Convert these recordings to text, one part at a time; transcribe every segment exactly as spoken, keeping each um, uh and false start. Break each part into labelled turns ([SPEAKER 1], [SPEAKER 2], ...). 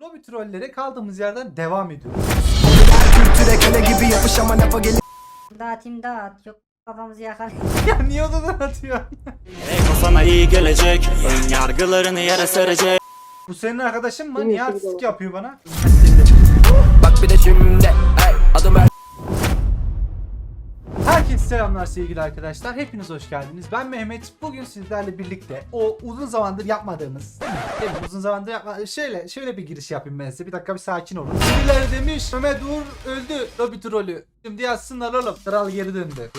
[SPEAKER 1] Lobi trollere kaldığımız yerden devam ediyoruz.
[SPEAKER 2] Dağıt imdat. Yok kafamızı yakar.
[SPEAKER 1] Ya niye odadan atıyor?
[SPEAKER 3] Eko sana iyi gelecek. Ön yargılarını yere serecek.
[SPEAKER 1] Bu senin arkadaşın mı? Niye artistik yapıyor bana?
[SPEAKER 4] Bak bir de şimdi hey, adım ver.
[SPEAKER 1] Herkese selamlar sevgili arkadaşlar. Hepiniz hoş geldiniz. Ben Mehmet. Bugün sizlerle birlikte o uzun zamandır yapmadığımız, değil mi? Değil mi? Uzun zamandır yapma. Şöyle şöyle bir giriş yapayım ben size. Bir dakika bir sakin olun. Birileri demiş Mehmet Uğur öldü. Lobi trolü. Şimdi yazsınlar oğlum. Kral geri döndü.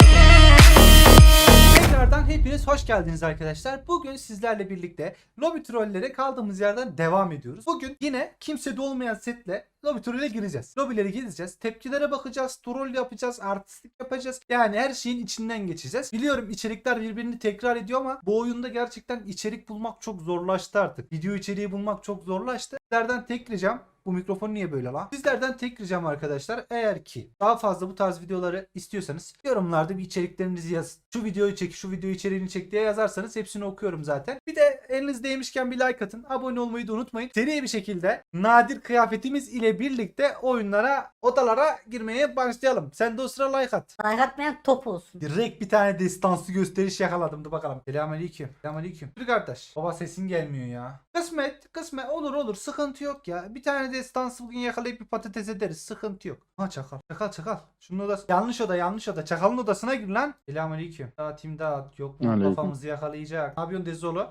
[SPEAKER 1] Tekrardan hepiniz hoş geldiniz arkadaşlar. Bugün sizlerle birlikte Lobi trollere kaldığımız yerden devam ediyoruz. Bugün yine kimsede olmayan setle Lobi trolle gireceğiz. Lobileri gezeceğiz. Tepkilere bakacağız. Troll yapacağız. Artistik yapacağız. Yani her şeyin içinden geçeceğiz. Biliyorum içerikler birbirini tekrar ediyor ama bu oyunda gerçekten içerik bulmak çok zorlaştı artık. Video içeriği bulmak çok zorlaştı. Sizlerden tek ricam, bu mikrofon niye böyle lan? Sizlerden tek ricam arkadaşlar, eğer ki daha fazla bu tarz videoları istiyorsanız yorumlarda bir içeriklerinizi yazın. Şu videoyu çek, şu video içeriğini çek diye yazarsanız hepsini okuyorum zaten. Bir de elinizdeymişken bir like atın. Abone olmayı da unutmayın. Seri bir şekilde nadir kıyafetimiz ile birlikte oyunlara, odalara girmeye başlayalım. Sen de o sıra like at.
[SPEAKER 2] Like atmayan top olsun.
[SPEAKER 1] Direkt bir tane destansı gösteriş yakaladım da bakalım. Selamünaleyküm. Selamünaleyküm. Bir kardeş. Baba sesin gelmiyor ya. Kısmet, kısmet olur olur. Sıkıntı yok ya. Bir tane destansı bugün yakalayıp bir patates ederiz. Sıkıntı yok. Ha çakal. Çakal çakal. Şunun odası. Yanlış oda yanlış oda. Çakalın odasına gir lan. Selamünaleyküm. Dağıtayım dağıt. Yok mu?
[SPEAKER 5] Aleyküm.
[SPEAKER 1] Kafamızı yakalayacak. Ne yapıyorsun Dezolu?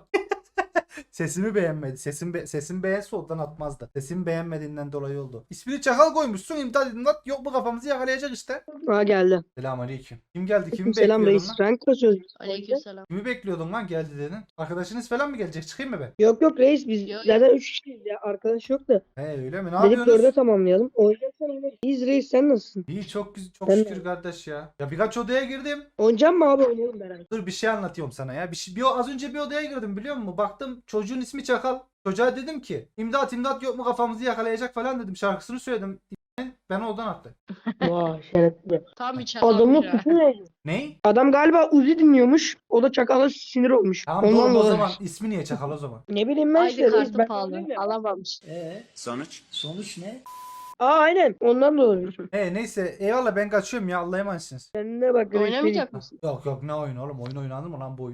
[SPEAKER 1] Sesimi beğenmedi. Sesim be sesim beğense oradan atmazdı. Sesimi beğenmediğinden dolayı oldu. İsmini çakal koymuşsun. İmdat imdat. Yok mu kafamızı yakalayacak işte.
[SPEAKER 6] Aa geldi.
[SPEAKER 1] Selamünaleyküm. Kim geldi? Kimi
[SPEAKER 6] Selam
[SPEAKER 1] bekliyordun
[SPEAKER 6] reis.
[SPEAKER 1] lan?
[SPEAKER 6] Rank kasıyoruz.
[SPEAKER 7] Aleykümselam.
[SPEAKER 1] Kimi bekliyordun lan geldi dedin? Arkadaşınız falan mı gelecek? Çıkayım mı ben?
[SPEAKER 6] Yok yok reis biz
[SPEAKER 7] Yok,
[SPEAKER 6] zaten üç kişiyiz ya. Arkadaş yok da.
[SPEAKER 1] He öyle mi? Ne
[SPEAKER 6] Dedik
[SPEAKER 1] yapıyorsunuz?
[SPEAKER 6] dörde tamamlayalım. Oynayacaksan oynarız. İyiyiz reis sen nasılsın?
[SPEAKER 1] İyi çok güzel çok
[SPEAKER 6] Ben de.
[SPEAKER 1] şükür kardeş ya. Ya birkaç odaya girdim.
[SPEAKER 6] Oynayacak mı abi oynayalım beraber.
[SPEAKER 1] Dur bir şey anlatıyorum sana ya. Bir, şey, bir az önce bir odaya girdim biliyor musun? Baktım çocuğun ismi Çakal. Çocuğa dedim ki imdat imdat yok mu kafamızı yakalayacak falan dedim. Şarkısını söyledim. Ben oradan attı.
[SPEAKER 6] Vay şerefli.
[SPEAKER 7] Tam bir
[SPEAKER 6] Adamın
[SPEAKER 7] çakalmış ya.
[SPEAKER 6] suçu ne?
[SPEAKER 1] Ney?
[SPEAKER 6] Adam galiba Uzi dinliyormuş. O da çakala sinir olmuş.
[SPEAKER 1] Tamam
[SPEAKER 6] Ondan
[SPEAKER 1] doğru o
[SPEAKER 6] dolayı.
[SPEAKER 1] zaman ismi niye Çakal o zaman?
[SPEAKER 6] Ne bileyim ben
[SPEAKER 7] Aydı
[SPEAKER 6] işte reis.
[SPEAKER 7] kartı
[SPEAKER 6] Ben
[SPEAKER 7] pahalı.
[SPEAKER 6] anlıyorum ya.
[SPEAKER 7] Alamamış.
[SPEAKER 1] Eee
[SPEAKER 3] Sonuç?
[SPEAKER 1] sonuç ne?
[SPEAKER 6] Aa aynen. Ondan dolayı.
[SPEAKER 1] He neyse eyvallah ben kaçıyorum ya Allah'a emanetsiniz.
[SPEAKER 6] Kendine bak reis.
[SPEAKER 7] Oynamayacak mısın?
[SPEAKER 1] Yok yok ne oyun oğlum oyun oynanır mı lan bu oyun?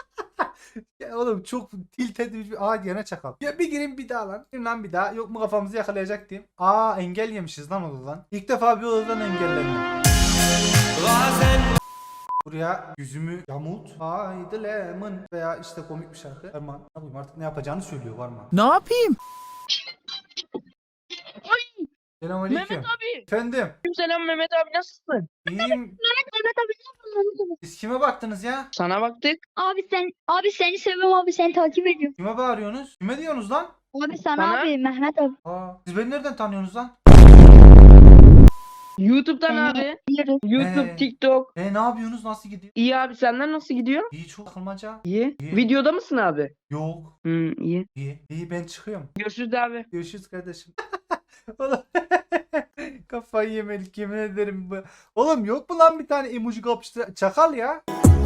[SPEAKER 1] Ya oğlum çok tilt edilmiş bir aa gene Çakal. Ya bir gireyim bir daha lan. Gireyim lan bir daha. Yok mu kafamızı yakalayacak diyeyim. Aa engel yemişiz lan odadan. İlk defa bir odadan engellendim. Buraya yüzümü yamult. Haydi lemon. Veya işte komik bir şarkı. Erman ne yapayım artık ne yapacağını söylüyor Varman.
[SPEAKER 5] Ne yapayım?
[SPEAKER 1] Selamünaleyküm.
[SPEAKER 7] Mehmet abi.
[SPEAKER 1] Efendim.
[SPEAKER 6] Selam Mehmet abi nasılsın?
[SPEAKER 1] İyiyim.
[SPEAKER 8] Mehmet abi ne yapıyorsun?
[SPEAKER 1] Siz kime baktınız ya?
[SPEAKER 6] Sana baktık.
[SPEAKER 8] Abi sen abi seni seviyorum abi seni takip ediyorum.
[SPEAKER 1] Kime bağırıyorsunuz? Kime diyorsunuz lan?
[SPEAKER 8] Abi sana
[SPEAKER 6] Bana?
[SPEAKER 8] abi Mehmet abi.
[SPEAKER 1] Aa, siz beni nereden tanıyorsunuz lan?
[SPEAKER 6] YouTube'dan
[SPEAKER 8] Seni
[SPEAKER 6] abi.
[SPEAKER 8] biliyorum.
[SPEAKER 6] YouTube,
[SPEAKER 1] Ee.
[SPEAKER 6] TikTok.
[SPEAKER 1] E ne yapıyorsunuz? Nasıl gidiyor?
[SPEAKER 6] İyi abi senden nasıl gidiyor?
[SPEAKER 1] İyi çok takılmaca.
[SPEAKER 6] İyi.
[SPEAKER 1] İyi.
[SPEAKER 6] Videoda mısın abi?
[SPEAKER 1] Yok.
[SPEAKER 6] Hı iyi.
[SPEAKER 1] İyi. İyi ben çıkıyorum.
[SPEAKER 6] Görüşürüz abi.
[SPEAKER 1] Görüşürüz kardeşim. Oğlum kafayı yemelik yemin ederim. bu- Oğlum yok mu lan bir tane emoji kapıştır Çakal ya.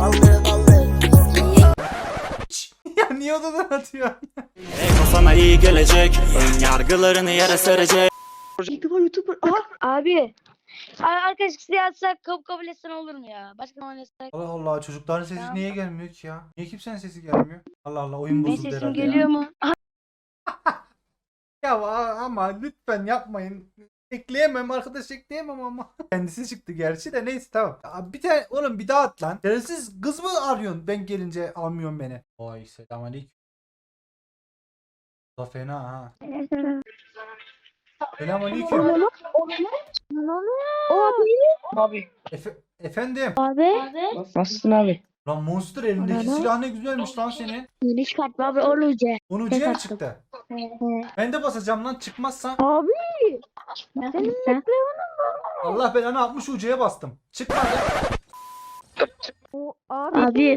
[SPEAKER 1] Ya niye odadan atıyor?
[SPEAKER 3] Eko sana iyi gelecek. Ön yargılarını yere serecek.
[SPEAKER 6] YouTuber YouTuber. Aha.
[SPEAKER 8] Abi. Ay arkadaş size yazsak kabul kabul etsen olur mu ya? Başka ne oynasak?
[SPEAKER 1] Allah Allah çocukların sesi
[SPEAKER 8] Tamam.
[SPEAKER 1] niye gelmiyor ki ya? Niye kimsenin sesi gelmiyor? Allah Allah oyun
[SPEAKER 8] Benim
[SPEAKER 1] bozuldu
[SPEAKER 8] sesim
[SPEAKER 1] herhalde
[SPEAKER 8] geliyor
[SPEAKER 1] ya.
[SPEAKER 8] mu?
[SPEAKER 1] Ya a- ama lütfen yapmayın. Ekleyemem arkadaş ekleyemem ama. Kendisi çıktı gerçi de neyse tamam. Ya bir tane oğlum bir daha at lan. Siz kız mı arıyorsun ben gelince almıyorsun beni. Oy selamünaleyküm. Da fena ha. Selamünaleyküm.
[SPEAKER 8] Abi.
[SPEAKER 6] Abi.
[SPEAKER 1] Efe efendim.
[SPEAKER 8] Abi.
[SPEAKER 6] Nasılsın abi?
[SPEAKER 1] Lan Monster elindeki
[SPEAKER 8] Ana.
[SPEAKER 1] silah ne güzelmiş lan senin.
[SPEAKER 8] Yeni çıkartma abi olacak.
[SPEAKER 1] Onu ucuya mı çıktı? Ben de basacağım lan çıkmazsa.
[SPEAKER 8] Abi. Nasılsın?
[SPEAKER 1] Allah belanı altmış ucuya bastım. Çıkmadı.
[SPEAKER 8] Abi.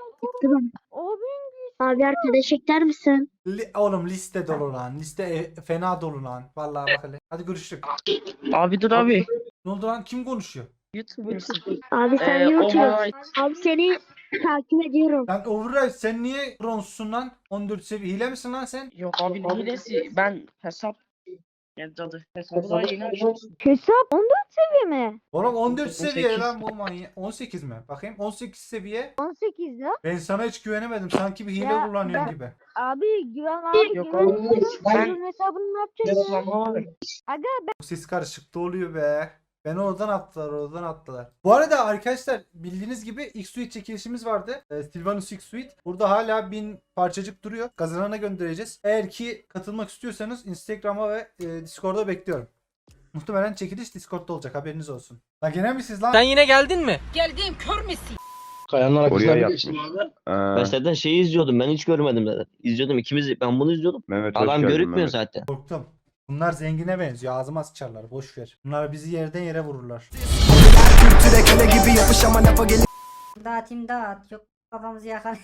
[SPEAKER 8] Abi arkadaş ekler misin?
[SPEAKER 1] Li- oğlum liste dolu lan. Liste e- fena dolu lan. Vallahi bak hele. Hadi görüştük.
[SPEAKER 6] Abi dur abi.
[SPEAKER 1] Ne oldu lan? Kim konuşuyor?
[SPEAKER 6] YouTuber.
[SPEAKER 8] Abi sen
[SPEAKER 6] Ee,
[SPEAKER 8] niye
[SPEAKER 6] o
[SPEAKER 8] oturuyorsun?
[SPEAKER 6] bana-
[SPEAKER 8] Abi seni takip ediyorum.
[SPEAKER 1] Lan Override sen niye bronzsun lan? on dört seviye hile misin lan sen?
[SPEAKER 6] Yok abi ne hilesi? Ben hesap
[SPEAKER 5] Ya cadı. Hesabı daha yeni açtım.
[SPEAKER 8] Hesap on dört seviye mi?
[SPEAKER 1] Oğlum on dört
[SPEAKER 5] on sekiz.
[SPEAKER 1] seviye lan bu manyak. on sekiz mi? Bakayım on sekiz seviye.
[SPEAKER 8] on sekiz ya.
[SPEAKER 1] Ben sana hiç güvenemedim. Sanki bir hile
[SPEAKER 8] Ya,
[SPEAKER 1] kullanıyorsun
[SPEAKER 8] ben-
[SPEAKER 1] gibi.
[SPEAKER 8] Abi güven abi
[SPEAKER 5] Yok
[SPEAKER 8] güven.
[SPEAKER 5] abi, ben-
[SPEAKER 8] Bunun hesabını ne yapacağız ya? Aga
[SPEAKER 1] Bu ses karışıklığı oluyor be. Beni oradan attılar, oradan attılar. Bu arada arkadaşlar bildiğiniz gibi X-Suite çekilişimiz vardı. Ee, Sylvanus X-Suite. Burada hala bin parçacık duruyor. Kazanana göndereceğiz. Eğer ki katılmak istiyorsanız Instagram'a ve e, Discord'a bekliyorum. Muhtemelen çekiliş Discord'da olacak, haberiniz olsun. Lan gene mi siz lan?
[SPEAKER 7] Sen yine geldin mi?
[SPEAKER 6] Kayanın arkasına
[SPEAKER 9] Oraya
[SPEAKER 6] bir
[SPEAKER 9] yatmış.
[SPEAKER 6] geçtim abi.
[SPEAKER 9] Ee,
[SPEAKER 10] Ben zaten şeyi izliyordum. Ben hiç görmedim zaten. İzliyordum ikimiz. Ben bunu izliyordum.
[SPEAKER 9] Mehmet hoş
[SPEAKER 10] Adam
[SPEAKER 9] geldin
[SPEAKER 10] görükmüyor
[SPEAKER 9] Mehmet.
[SPEAKER 10] zaten.
[SPEAKER 1] Korktum. Bunlar zengine benziyor. Ağzıma sıçarlar. Boş ver. Bunlar bizi yerden yere vururlar.
[SPEAKER 2] Dağıt imdat. Yok kafamızı yakar.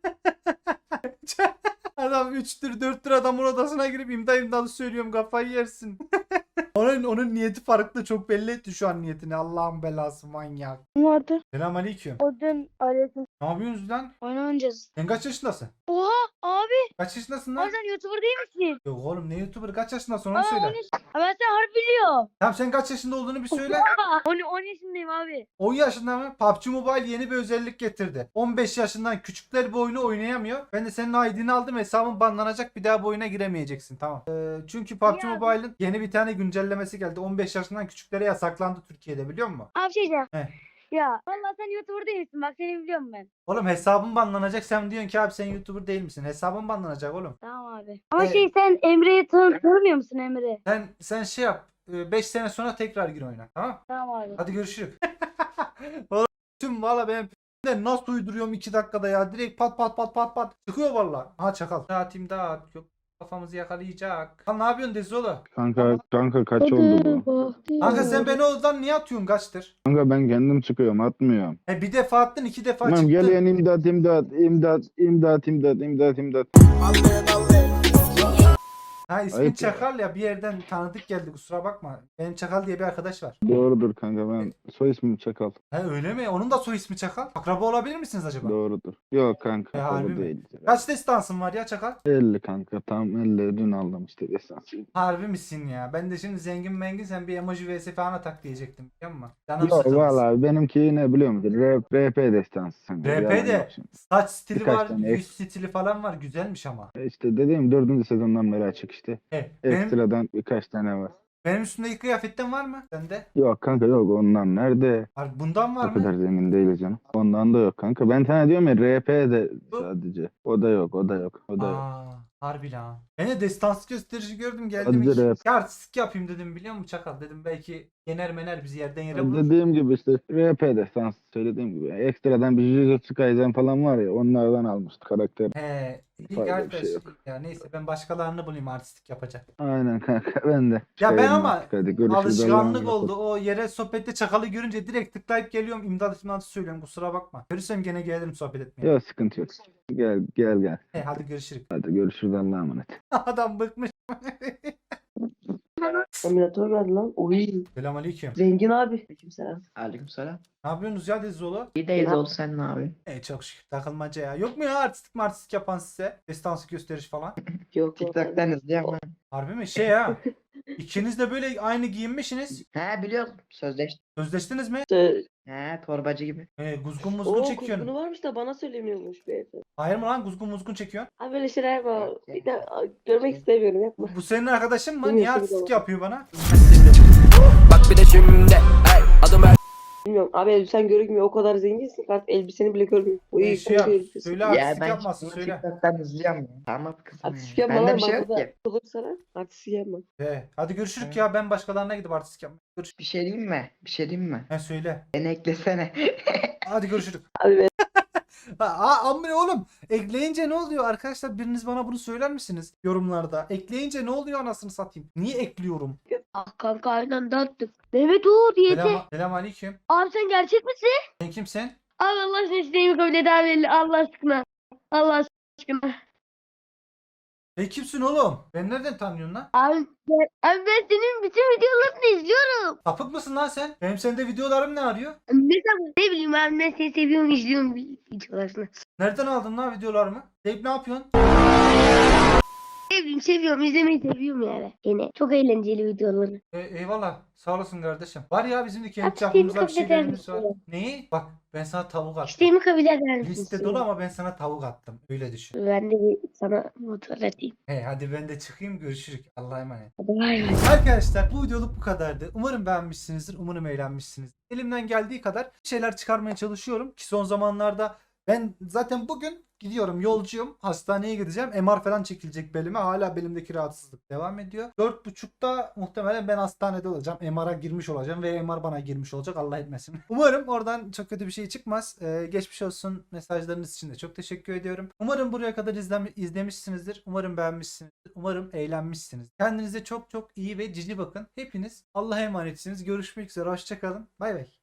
[SPEAKER 1] Adam üçtür dörttür adamın odasına girip imda imdalı söylüyorum, kafayı yersin. onun onun niyeti farklı, çok belli etti şu an niyetini. Allah'ın belası manyak.
[SPEAKER 8] vardı.
[SPEAKER 1] Selamünaleyküm.
[SPEAKER 8] O dün aleyküm.
[SPEAKER 1] Ne yapıyorsunuz lan?
[SPEAKER 8] Oyun oynayacağız.
[SPEAKER 1] Sen kaç yaşındasın?
[SPEAKER 8] Oha abi.
[SPEAKER 1] Kaç yaşındasın
[SPEAKER 8] Abi
[SPEAKER 1] lan?
[SPEAKER 8] sen YouTuber değil misin?
[SPEAKER 1] Yok oğlum, ne YouTuber, kaç yaşındasın onu
[SPEAKER 8] Aa,
[SPEAKER 1] söyle.
[SPEAKER 8] on yaş- Aa, ben seni harbi biliyorum.
[SPEAKER 1] Tamam, sen kaç yaşında olduğunu bir söyle.
[SPEAKER 8] on, on yaşındayım abi.
[SPEAKER 1] on yaşında mı? P U B G Mobile yeni bir özellik getirdi. on beş yaşından küçükler bu oyunu oynayamıyor. Ben de senin I D'ni aldım, hesabın banlanacak, bir daha bu oyuna giremeyeceksin, tamam. Ee, çünkü P U B G
[SPEAKER 8] Ya.
[SPEAKER 1] Mobile'ın yeni bir tane güncellemesi geldi. on beş yaşından küçüklere yasaklandı Türkiye'de, biliyor musun?
[SPEAKER 8] Abi şey diyeceğim.
[SPEAKER 1] Heh.
[SPEAKER 8] Ya vallahi sen YouTuber değilsin. Bak seni biliyorum ben.
[SPEAKER 1] Oğlum hesabın banlanacak, sen diyorsun ki abi sen YouTuber değil misin? Hesabın banlanacak oğlum.
[SPEAKER 8] Tamam abi. Ama
[SPEAKER 1] Ee,
[SPEAKER 8] şey sen Emre'yi tanı tanımıyor musun Emre?
[SPEAKER 1] Sen sen şey yap. beş sene sonra tekrar gir oyuna, tamam?
[SPEAKER 8] Tamam abi.
[SPEAKER 1] Hadi görüşürüz. Valla tüm valla benim de nasıl uyduruyorum iki dakikada ya. Direkt pat pat pat pat pat çıkıyor valla. Ha çakal. Dağıtayım dağıt. Yok kafamızı yakalayacak. Lan ne yapıyorsun Dezolo?
[SPEAKER 9] Kanka kanka kaç oldu bu?
[SPEAKER 1] Kanka sen beni oradan niye atıyorsun, kaçtır?
[SPEAKER 9] Kanka ben kendim çıkıyorum atmıyorum.
[SPEAKER 1] He bir defa attın, iki defa
[SPEAKER 9] Tamam
[SPEAKER 1] çıktın.
[SPEAKER 9] geleyen imdat imdat imdat imdat imdat imdat imdat.
[SPEAKER 1] Ha ismin
[SPEAKER 9] Ayıp ya.
[SPEAKER 1] Çakal ya, bir yerden tanıdık geldi, kusura bakma. Benim Çakal diye bir arkadaş var.
[SPEAKER 9] Doğrudur kanka ben soy ismim Çakal.
[SPEAKER 1] He öyle mi? Onun da soy ismi Çakal. Akraba olabilir misiniz acaba?
[SPEAKER 9] Doğrudur. Yok
[SPEAKER 1] E,
[SPEAKER 9] kanka
[SPEAKER 1] harbi
[SPEAKER 9] o
[SPEAKER 1] mi?
[SPEAKER 9] değil.
[SPEAKER 1] Kaç destansın var ya Çakal?
[SPEAKER 9] elli kanka tam elli dün aldım işte destansı.
[SPEAKER 1] Harbi misin ya? Ben de şimdi zengin mengin, sen bir emoji vs falan atak diyecektim, biliyor musun? Canım
[SPEAKER 9] Yok
[SPEAKER 1] sıkıldı.
[SPEAKER 9] valla benimki ne biliyor musun? R- RP destansı kanka.
[SPEAKER 1] R
[SPEAKER 9] yalan
[SPEAKER 1] P de
[SPEAKER 9] yok şimdi.
[SPEAKER 1] saç stili
[SPEAKER 9] Birkaç
[SPEAKER 1] var,
[SPEAKER 9] tane
[SPEAKER 1] yüz
[SPEAKER 9] ek-
[SPEAKER 1] stili falan var, güzelmiş ama.
[SPEAKER 9] E İşte dediğim dördüncü sezondan beri açık işte.
[SPEAKER 1] He, benim,
[SPEAKER 9] Ekstradan birkaç tane var.
[SPEAKER 1] benim üstümdeki kıyafetten var mı? Sende?
[SPEAKER 9] Yok kanka yok ondan nerede?
[SPEAKER 1] Harbi bundan var
[SPEAKER 9] O kadar
[SPEAKER 1] mı?
[SPEAKER 9] zengin değiliz canım. Ondan da yok kanka. Ben sana diyorum ya R P de
[SPEAKER 1] Bu-
[SPEAKER 9] sadece. O da yok o da yok o da yok.
[SPEAKER 1] Aa, harbi lan. Ben de destansı gösterici gördüm, geldim.
[SPEAKER 9] Sadece
[SPEAKER 1] Hiç
[SPEAKER 9] rap.
[SPEAKER 1] ya artistik yapayım dedim, biliyor musun Çakal? Dedim belki yener mener bizi yerden yere
[SPEAKER 9] Ya
[SPEAKER 1] vurur.
[SPEAKER 9] dediğim gibi işte R P de sans söylediğim gibi. Ekstradan bir Jujutsu Kaisen falan var ya onlardan almıştı karakter.
[SPEAKER 1] He, iyi
[SPEAKER 9] Fazla bir
[SPEAKER 1] arkadaş.
[SPEAKER 9] şey yok.
[SPEAKER 1] Ya neyse, ben başkalarını bulayım artistik yapacak.
[SPEAKER 9] Aynen kanka ben de.
[SPEAKER 1] Ya ben
[SPEAKER 9] Çıkayım
[SPEAKER 1] ama
[SPEAKER 9] artık, hadi görüşürüz,
[SPEAKER 1] alışkanlık
[SPEAKER 9] Allah'a
[SPEAKER 1] oldu. O yere sohbette Çakal'ı görünce direkt tıklayıp geliyorum, imdat imdat söylüyorum, kusura bakma. Görürsem gene gelirim sohbet etmeye.
[SPEAKER 9] emanet. Yok sıkıntı yok. Gel gel gel.
[SPEAKER 1] He, hadi görüşürüz.
[SPEAKER 9] Hadi görüşürüz Allah'a emanet.
[SPEAKER 1] Adam bıkmış.
[SPEAKER 5] Emülatör geldi lan. Oy.
[SPEAKER 1] Selamünaleyküm.
[SPEAKER 5] Zengin abi. Aleykümselam. Aleykümselam.
[SPEAKER 1] Ne yapıyorsunuz ya Dezolo?
[SPEAKER 5] İyi deyiz oldu sen ne abi?
[SPEAKER 1] E çok şükür, takılmaca ya. Yok mu ya artistik martistik yapan size? Destansı gösteriş falan.
[SPEAKER 5] Yok TikTok'tan izliyorum ben.
[SPEAKER 1] Harbi mi? Şey ha. İkiniz de böyle aynı giyinmişsiniz.
[SPEAKER 5] He biliyorum. Sözleştik.
[SPEAKER 1] Sözleştiniz mi?
[SPEAKER 5] He torbacı gibi.
[SPEAKER 1] E, guzgun muzgun çekiyorsun.
[SPEAKER 11] Kuzgunu varmış da bana söylemiyormuş beyefendi.
[SPEAKER 1] Hayır mı lan, guzgun muzgun çekiyorsun?
[SPEAKER 11] Abi böyle şeyler yapma. Bir de a, görmek istemiyorum, yapma.
[SPEAKER 1] Bu senin arkadaşın mı?
[SPEAKER 11] Benim
[SPEAKER 1] Niye
[SPEAKER 11] yaşım
[SPEAKER 1] artistik
[SPEAKER 11] da var.
[SPEAKER 1] yapıyor bana?
[SPEAKER 4] Bak bir de şimdi hey adım her
[SPEAKER 11] Bilmiyorum. Abi elbisen görünmüyor. O kadar zenginsin ki artık elbiseni bile görmüyor. Uy,
[SPEAKER 1] E, şey yap.
[SPEAKER 11] komik elbise.
[SPEAKER 1] Söyle artistik yapmasın, söyle.
[SPEAKER 5] TikTok'tan izliyorum. Tamam kızım.
[SPEAKER 11] Artistik yapma
[SPEAKER 5] Bende
[SPEAKER 11] lan.
[SPEAKER 5] bir şey yok
[SPEAKER 11] Burada
[SPEAKER 5] ki.
[SPEAKER 11] olur sana. Artistik yapma.
[SPEAKER 1] He, hadi görüşürük
[SPEAKER 5] Evet.
[SPEAKER 1] ya, ben başkalarına gidip artistik yapmaya. Görüş.
[SPEAKER 5] Bir şey diyeyim mi? Bir şey diyeyim mi?
[SPEAKER 1] He söyle.
[SPEAKER 5] Beni eklesene.
[SPEAKER 1] Hadi görüşürük.
[SPEAKER 11] Abi ben
[SPEAKER 1] Aa amre oğlum, ekleyince ne oluyor arkadaşlar, biriniz bana bunu söyler misiniz yorumlarda? Ekleyince ne oluyor anasını satayım? Niye ekliyorum?
[SPEAKER 8] Ah kanka aynen dağıttık. Mehmet Uğur yeter.
[SPEAKER 1] Selam, selam aleyküm.
[SPEAKER 8] Abi sen gerçek misin?
[SPEAKER 1] Sen kimsin?
[SPEAKER 8] Abi Allah aşkına isteğimi kabul et abi. Allah aşkına. Allah aşkına.
[SPEAKER 1] Sen kimsin oğlum? Ben nereden tanıyorsun lan?
[SPEAKER 8] Abi ben, abi ben senin bütün videolarını izliyorum.
[SPEAKER 1] Sapık mısın lan sen? Benim sende videolarım ne arıyor?
[SPEAKER 8] Mesela ne bileyim abi ben seni seviyorum izliyorum videolarını.
[SPEAKER 1] Nereden aldın lan videolarımı? Deyip ne yapıyorsun?
[SPEAKER 8] Sevdim seviyorum izlemeyi seviyorum yani. Yine çok eğlenceli videoları.
[SPEAKER 1] E, eyvallah. Sağ olasın kardeşim. Var ya bizim de kendi
[SPEAKER 8] Abi, isteğimi
[SPEAKER 1] çapımızda bir
[SPEAKER 8] kabul eder
[SPEAKER 1] şeylerimiz var.
[SPEAKER 8] misin?
[SPEAKER 1] Neyi? Bak ben sana tavuk attım.
[SPEAKER 8] İsteğimi kabul eder misin?
[SPEAKER 1] Liste dolu ama ben sana tavuk attım. Öyle düşün.
[SPEAKER 8] Ben de bir sana motor atayım.
[SPEAKER 1] He hadi ben de çıkayım, görüşürüz. Allah'a emanet.
[SPEAKER 8] Hadi bay bay.
[SPEAKER 1] Arkadaşlar bu videoluk bu kadardı. Umarım beğenmişsinizdir. Umarım eğlenmişsinizdir. Elimden geldiği kadar bir şeyler çıkarmaya çalışıyorum ki son zamanlarda ben zaten bugün gidiyorum, yolcuyum. Hastaneye gideceğim. M R falan çekilecek belime. Hala belimdeki rahatsızlık devam ediyor. dört buçukta muhtemelen ben hastanede olacağım. M R'a girmiş olacağım ve M R bana girmiş olacak. Allah etmesin. Umarım oradan çok kötü bir şey çıkmaz. Ee, geçmiş olsun mesajlarınız için de çok teşekkür ediyorum. Umarım buraya kadar izlem- izlemişsinizdir. Umarım beğenmişsinizdir. Umarım eğlenmişsiniz. Kendinize çok çok iyi ve cici bakın. Hepiniz Allah'a emanetsiniz. Görüşmek üzere. Hoşçakalın. Bay bay.